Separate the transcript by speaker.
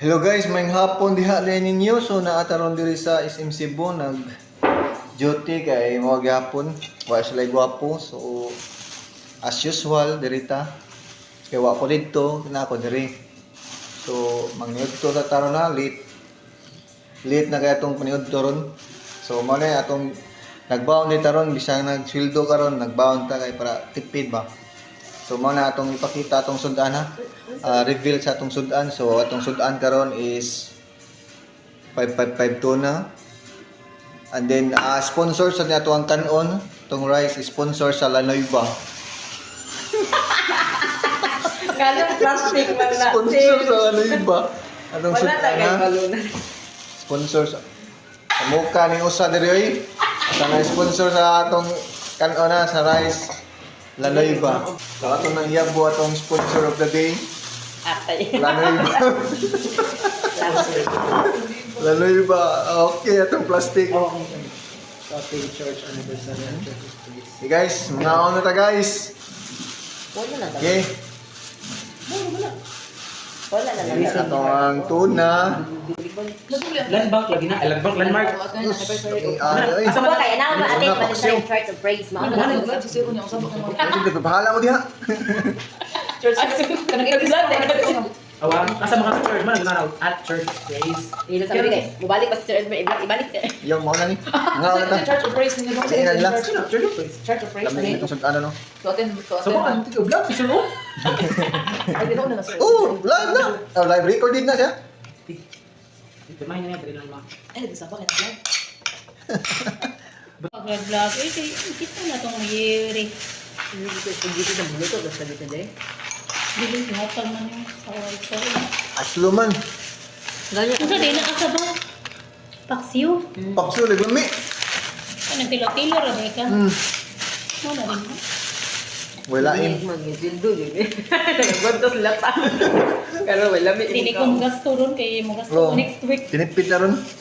Speaker 1: Hello guys, mayong hapon diha rin ninyo. So naataron diri sa SM Cebu nag duty kay mga gapon. Wa sila gwapo. So as usual dirita. Kay wa ko dito, na ako diri. So mangyud to sa taron na late. Late na kay atong paniud ron. So mo na atong nagbaon ni taron bisang nagsweldo karon, nagbaon ta kay para tipid ba. So mo na atong ipakita atong sudan ha. Reveal sa atong sudan. So atong sudan karon is 555 tuna. And then sponsor sa nato ang kanon, tong rice is sponsor sa Lanoyba.
Speaker 2: Ganun plastic man na.
Speaker 1: Sponsor sa Lanoyba. Atong
Speaker 2: Wala
Speaker 1: sudan
Speaker 2: na
Speaker 1: ha.
Speaker 2: balunan.
Speaker 1: Sponsor sa mukha ni usa diri oy. Sa sponsor sa atong kanon na sa rice Lanoyba. So atong nang iyabo atong sponsor of the day.
Speaker 2: Atay.
Speaker 1: Lanoyba.
Speaker 2: Plastic.
Speaker 1: Lanoyba. Okay, atong plastic.
Speaker 2: Oh, okay. Shopping church anniversary.
Speaker 1: Okay guys, mga on na ta guys.
Speaker 2: Wala na.
Speaker 1: Okay.
Speaker 2: Wala na.
Speaker 1: Atong tuna.
Speaker 3: Landmark lagi na. Landmark.
Speaker 4: Asa ba kaya na ba ate pa sa church of praise mo?
Speaker 1: Bahala mo diha.
Speaker 2: Church.
Speaker 3: Awa, asa mga church man nagnaraw at church praise.
Speaker 4: Dito sabi kay, mubalik pa si Sir Edmund, ibalik.
Speaker 1: Yung mo na ni. Nga na ta.
Speaker 2: Church of praise ninyo.
Speaker 1: Sige na lang.
Speaker 3: Church praise.
Speaker 2: Church of praise.
Speaker 1: Kami itong ano no.
Speaker 3: So mo ang tigo vlog si Suno.
Speaker 2: Ay, di na sir.
Speaker 1: Oh, live na. Oh, live recorded na siya.
Speaker 3: Ito man niya diri lang ma.
Speaker 2: Ay, di sa bakit vlog?
Speaker 5: Pag-vlog, eh, kita na itong year.
Speaker 2: Hindi ko dito sa mulo to, basta dito dai.
Speaker 5: Bilis, hatag man yung sa wifi.
Speaker 1: Aslo man.
Speaker 4: Ganyan.
Speaker 5: Ito din, nakasaba. Paksiw.
Speaker 1: Pakso lagami.
Speaker 5: Ano, tilo-tilo, rabi ka. Mo na rin.
Speaker 1: Wala in.
Speaker 2: Mag-sildo din eh. Nagbantos lata. Pero wala mi.
Speaker 5: Hindi kong gasto ron, kaya mo gasto
Speaker 1: Oh.
Speaker 5: ko next week.
Speaker 1: Tinipid na ron.